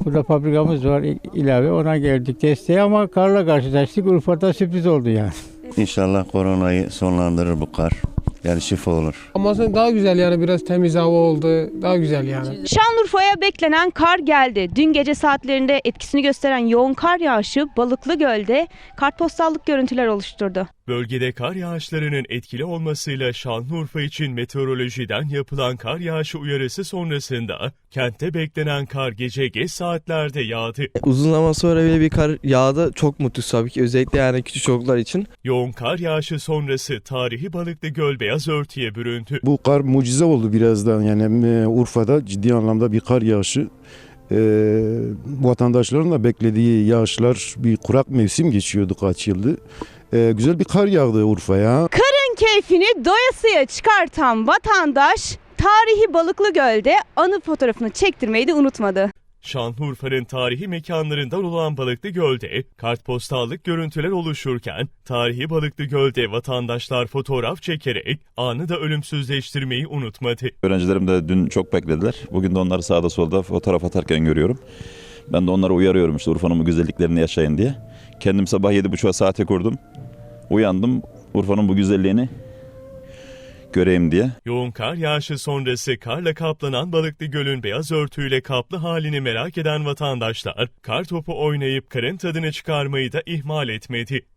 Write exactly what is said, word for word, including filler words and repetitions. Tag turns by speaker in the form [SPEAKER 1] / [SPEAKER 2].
[SPEAKER 1] Burada fabrikamız var, ilave ona geldik desteğe ama karla karşılaştık. Urfa'da sürpriz oldu yani.
[SPEAKER 2] İnşallah koronayı sonlandırır bu kar. Yani şifa olur.
[SPEAKER 3] Ama daha güzel yani biraz temiz hava oldu. Daha güzel yani.
[SPEAKER 4] Şanlıurfa'ya beklenen kar geldi. Dün gece saatlerinde etkisini gösteren yoğun kar yağışı Balıklı Göl'de kartpostallık görüntüler oluşturdu.
[SPEAKER 5] Bölgede kar yağışlarının etkili olmasıyla Şanlıurfa için meteorolojiden yapılan kar yağışı uyarısı sonrasında kentte beklenen kar gece geç saatlerde yağdı.
[SPEAKER 6] Uzun zaman sonra bile bir kar yağdı. Çok mutluyuz tabii ki, özellikle yani küçük çocuklar için.
[SPEAKER 5] Yoğun kar yağışı sonrası tarihi Balıklı Göl beyaz örtüye büründü.
[SPEAKER 7] Bu kar mucize oldu birazdan. Yani e, Urfa'da ciddi anlamda bir kar yağışı. E, vatandaşların da beklediği yağışlar, bir kurak mevsim geçiyordu kaç yıldır. E, güzel bir kar yağdı Urfa'ya.
[SPEAKER 4] Karın keyfini doyasıya çıkartan vatandaş tarihi Balıklı Göl'de anı fotoğrafını çektirmeyi de unutmadı.
[SPEAKER 5] Şanlıurfa'nın tarihi mekanlarından olan Balıklı Göl'de kartpostallık görüntüler oluşurken tarihi Balıklı Göl'de vatandaşlar fotoğraf çekerek anı da ölümsüzleştirmeyi unutmadı.
[SPEAKER 8] Öğrencilerim de dün çok beklediler. Bugün de onları sağda solda fotoğraf atarken görüyorum. Ben de onları uyarıyorum işte Urfa'nın bu güzelliklerini yaşayın diye. Kendim sabah yedi buçuğa saate kurdum. Uyandım Urfa'nın bu güzelliğini göreyim diye.
[SPEAKER 5] Yoğun kar yağışı sonrası karla kaplanan Balıklı Göl'ün beyaz örtüyle kaplı halini merak eden vatandaşlar kar topu oynayıp karın tadını çıkarmayı da ihmal etmedi.